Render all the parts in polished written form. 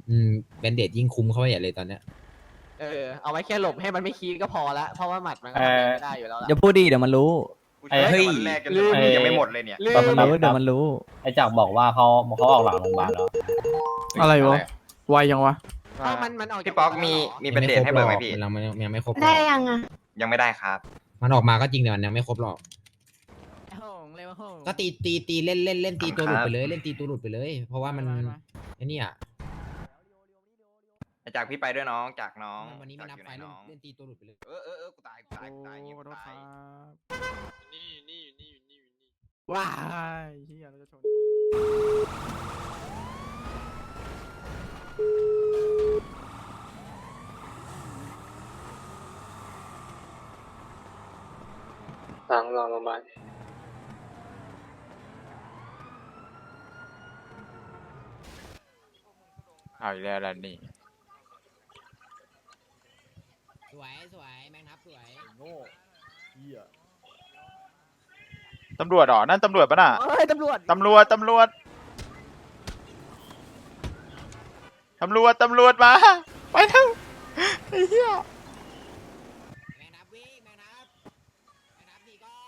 แบนเดดยิ่งคุ้มเข้าไปใหญ่เลยตอนเนี้ยเอาไว้แค่หลบให้มันไม่คีดก็พอละเพราะว่าหมัดมันก็ทำอะไรไม่ได้อยู่แล้วล่ะอย่าพูดดิเดี๋ยวมันรู้เฮ้ยวันแรกกันเลยยังไม่หมดเลยเนี่ยเดี๋ยวมันรู้เดี๋ยวมันรู้ไอ้จักรบอกว่าเขาออกหลังโรงพยาบาลแล้วอะไรวะไวยังวะถ้ามันออกจากพี่ป๊อกมีเป็นเดทให้เบอร์ไหมพี่มันยังไม่ครบหรได้อกยังอ่ะยังไม่ได้ครับมันออกมาก็จริงแต่มันยังไม่ครบหรอกห้องเลยว่าห้องก็ตีเล่นตีตัวหลุดครับไปเลยเล่นตีตัวหลุดไปเลย เพราะว่ามันไอ้นี่อ่ะจากพี่ไปด้วยน้องจากน้องวันนี้ไม่นับไฟจากอยู่หน้องเล่นตีตัวหลุดไปเลยกูตายอย่างงี้กูตายว้ายเฮียเราจะชนหลังโรงพยาบาลเอาอีกแล้วล่ะนี่สวยแมงทับสวยตำรวจเหรอนั่นตำรวจปะน่ะเฮ้ยตำรวจตำรวจมาไปเถอะไอ้เหี้ยแมงทับวิ่งแมงทับหนีก่อน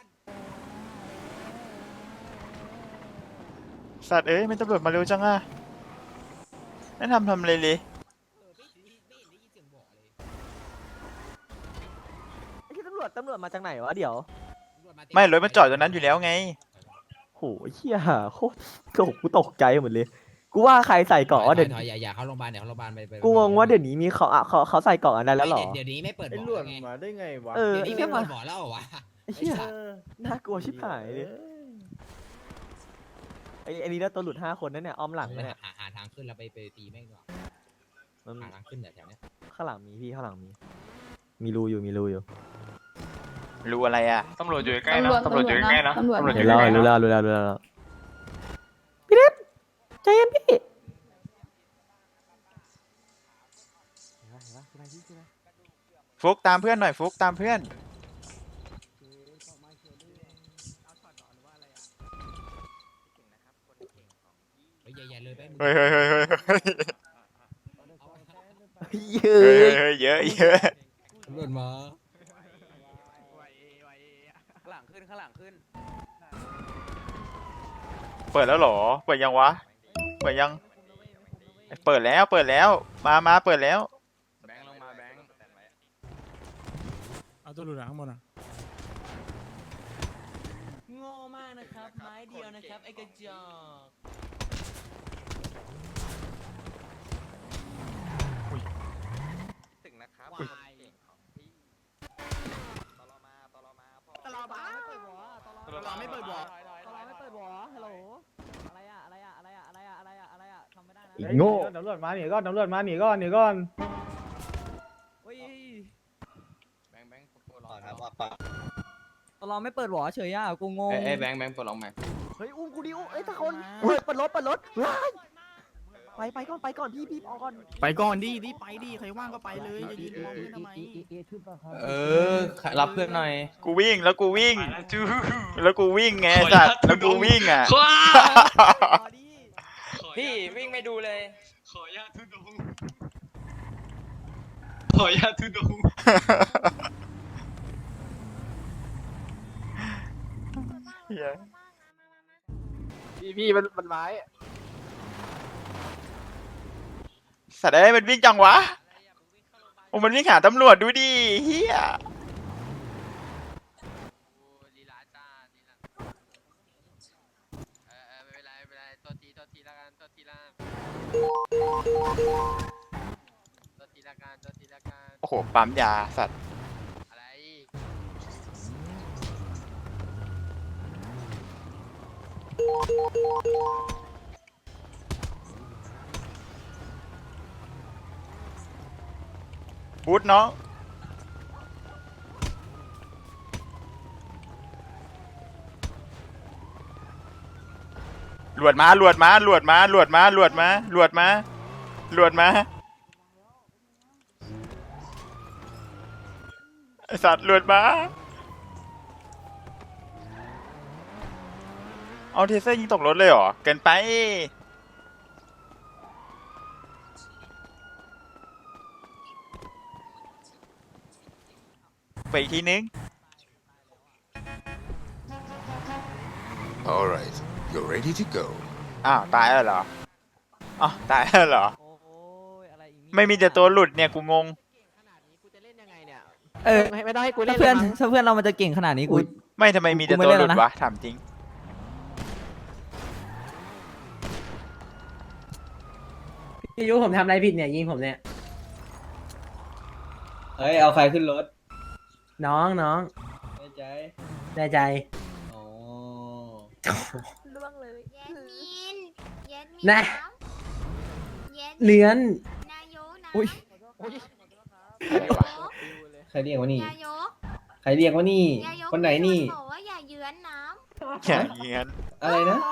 สัตว์เอ้ยเป็นตำรวจมาเร็วจังอะนั่นทำเลยเลยไม่เห็นได้ยินเสียงบอกเลยไอ้ที่ตำรวจมาจากไหนวะเดี๋ยวไม่รถมันจอดตรงนั้นอยู่แล้วไงโหเฮียโคตรกูตกใจหมดเลย กูว่าใครใส่เกราะว่าเดี๋ยวถอยอย่าเข้าโรงพยาบาลเดี๋ยวเข้าโรงพยาบาลไปกูงงว่าเดี๋ยวนี้มีเขาใส่เกราะอะไรแล้วเหรอเดี๋ยวนี้ไม่เปิดไอ้บ่หลอวแล้ดวไงมาได้ไงวะเออเดี๋ยวนี้ไอ้ไม่เหี้ยเปิดบ่อแล้วเหรอวะไอ้เหี้ยน่ากลัวชิบหายเลยไอ้นี่ได้ตัวหลุด5 คนนั่นเนี่ยอ้อมหลังนะเนี่ยหาทางขึ้นแล้วไปตีแม่งก่อนมันหาทางขึ้นแถวเนี้ยข้างหลังมีพี่ข้างหลังมีรูอยู่รู้อะไรอะตำรวจอยู่ใกล้นะตำรวจอยู่ใกล้นะตำรวจเห็นแล้วรู้แล้วพี่เล็กใจเย็นพี่ฟุกตามเพื่อนหน่อยฟุกตามเพื่อนอย่าเลยไปเฮ้ยเยเยอะตำรวจมาข้างหลังขึ้นเปิดแล้วเหรอเปิดยังวะเปิดยังเปิดแล้วมาเปิดแล้วแบงค์ลงมาแบงค์เอาตัวหลุดข้างบนอ่ะโง่มากนะครับไม้เดียวนะครับไอ้กระจอกถึงนะครับตลอมาไม่เปิดหัวตลอไม่เปิดหัวฮัลโหลอะไรอะทำไม่ได้นะโง่ตำรวจมาหนีก่อนเเฮ้ยแบงค์ตัวรอตลอดไม่เปิดหัวเฉยอ่ะกูงงแบงค์ปลดล็อกไหมเฮ้ยอุ้มกูดิอุ้มถ้าคนเปิดรถไปก่อนพี่ออกก่อนไปก่อนดิไปดิใครว่างก็ไปเลยอย่ายืนมองเพื่อนทำไมรับเพื่อนหน่อยกูวิ่งแล้วกูวิ่งไงสัตว์แล้วกูวิ่งอ่ะพี่วิ่งไม่ดูเลยขอญาตทุดงขอญาตทุดงเหี้ยพี่มันไม้สัตว์เอ้ยมันวิ่งจังวะโอ้มันวิ่งหาตำรวจดูดิเฮียลีลาจ้าลีลาไม่เป็นไรตัวทีละกันตัวทีละกันโอ้โหปั๊มยาสัตว์อะไรบูทน้องหลวดมาไอสัตว์หลวดมาเอาเทเซอร์ยิงตกรถเลยเหรอเกินไปไปอีกทีนึง Alright, you're ready to go. อ้าวตายแล้วเหรออ๋อตายแล้วเหรอโอ้ยอะไรอีกเนี่ยไม่มีแต่ตัวหลุดเนี่ยกูงงขนาดนี้กูจะเล่นยังไงเนี่ยเออไม่ต้องให้กูเล่ถ้าน เพื่อนเลยมั้งถ้าเพื่อนเรามันจะเก่งขนาดนี้กูไม่ทำไมมีแต่กูไม่ตัวเล่นหลุแล้ดวนะวะถามจริงพี่ยุผมทำอะไรผิดเนี่ยยิงผมเนี่ยเฮ้ยเอาใครขึ้นรถน้องน้องแน่ใจแน่ใจอ๋อล่วงเลยแยดมินแยดมินนะแยดมินเลื้อนนายกนะอุ้ยใครเรียกว่านี่นายกใครเรียกว่านี่นายกคนไหนนี่บอกว่าอย่าเยือนน้อย่างเงี้ยอะไรนะำ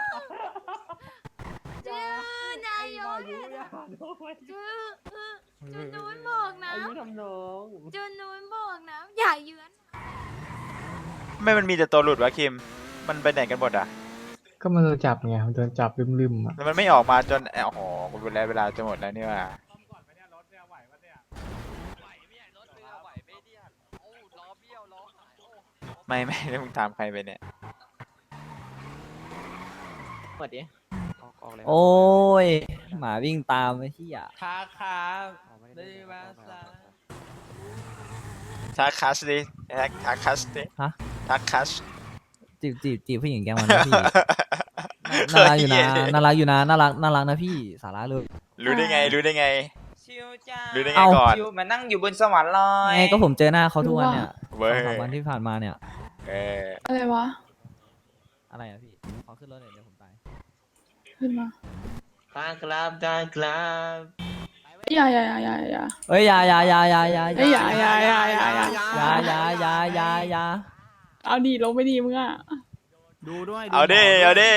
จื้อนายกจื้อจุนนู้นบอกนะอายุทำน้องจุนนู้นบอกนะอย่าเยือนไม่มันมีแต่ตัวหลุดวะคิม มันไปไหนกันหมดอ่ะก็มันโดนจับไงมันโดนจับลืมๆอ่ะแล้วมันไม่ออกมาจนโอ้โหกูดูแลเวลาจะหมดแล้วนี่ว่าไม่แล้วมึงตามใครไปเนี่ยเปิดดิออกเลยโอ้ยหมาวิ่งตามไอ้เหี้ยครับครับได้มาซะทักคัสดิทักคัสดิทักคัสจีบผู้หญิงแกมันนะพี่ น่ารักอยู่นะน่ารักอยู่นะน่ารักนะพี่สาระเลยรู้ได้ไง รู้ได้ไงชิวจ้ารู้ได้ไงเอ้าก่อนชิวมานั่งอยู่บนสวรรค์เลยไงก็ผมเจอหน้าเขาทุกวันเนี่ยเว้ย 2-3 วันที่ผ่านมาเนี่ยเอออะไรวะอะไรอะพี่ขอขึ้นรถหน่อยเดี๋ยวผมตายขึ้นมาได้ครับได้ครับอย่าเอ้ยอย่าอย่า เอาดีลงไปดีมึงอ่ะดูด้วยเอาดิเอาดิ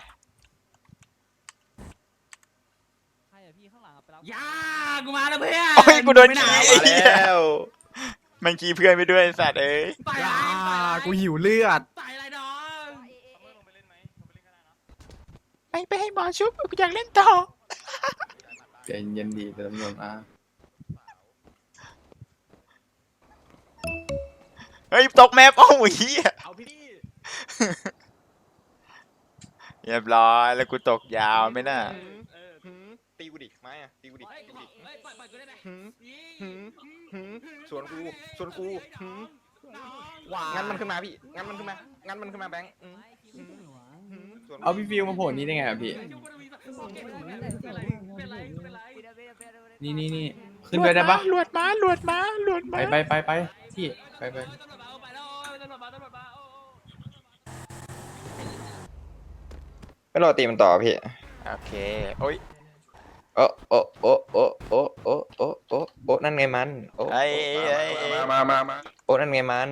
ใครอะพี่ข้างหลังอะไปรับยากูมาแล้วเพื่อนโอ้ยกูโดนไม่ขี้ไไอ้เหี้ยมันขี้เพื่อนไปด้วยไอ้สัตว์เอ้ยต่อยอย่าอะไรกูหิวเลือดต่อยอะไรน้องไปให้หมอชุบกูอยากเล่นต่อใจเย็นดีตำรวจมาเฮ้ยตกแมปโอ้ยเหี้ยเอาพี่เรียบร้อยแล้วกูตกยาวไหมน่ะตีกูดิไม่อะตีกูดิเฮ้ยตีกูดิเฮ้ยปล่อยกูได้ไหมสวนกูงั้นมันขึ้นมาพี่งั้นมันขึ้นมาแบงค์สวนกูเอาพี่ฟิวมาโผล่นี้ได้ไงอ่ะพี่ นี่ขึ้นไปได้ปะหลวดมาไปพี่ไปไม่รอตีมันต่อพี่โอเคโอ้ยโอ้นั่นไงมันโอ้ไอ้โอ้นั่นไงมัน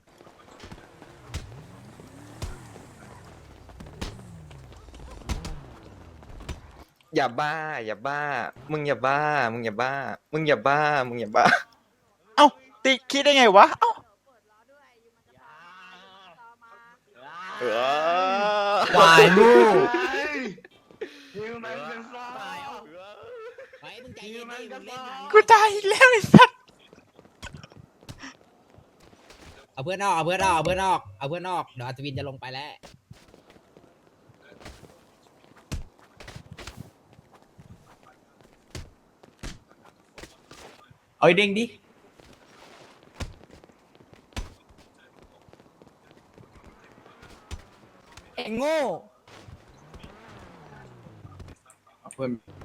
อย่าบ้ามึงอย่าบ้าเอ้าติคิดได้ไงวะเอ้าเออวายลูกไปมึงใจเย็นดิมึงเล่นนะกูตายอีกแล้วไอ้สัตว์เอาเพื่อนออกเดี๋ยวอัศวินจะลงไปแล้วเอาไอ้เด้งดิเอ็งโง่เพื่อน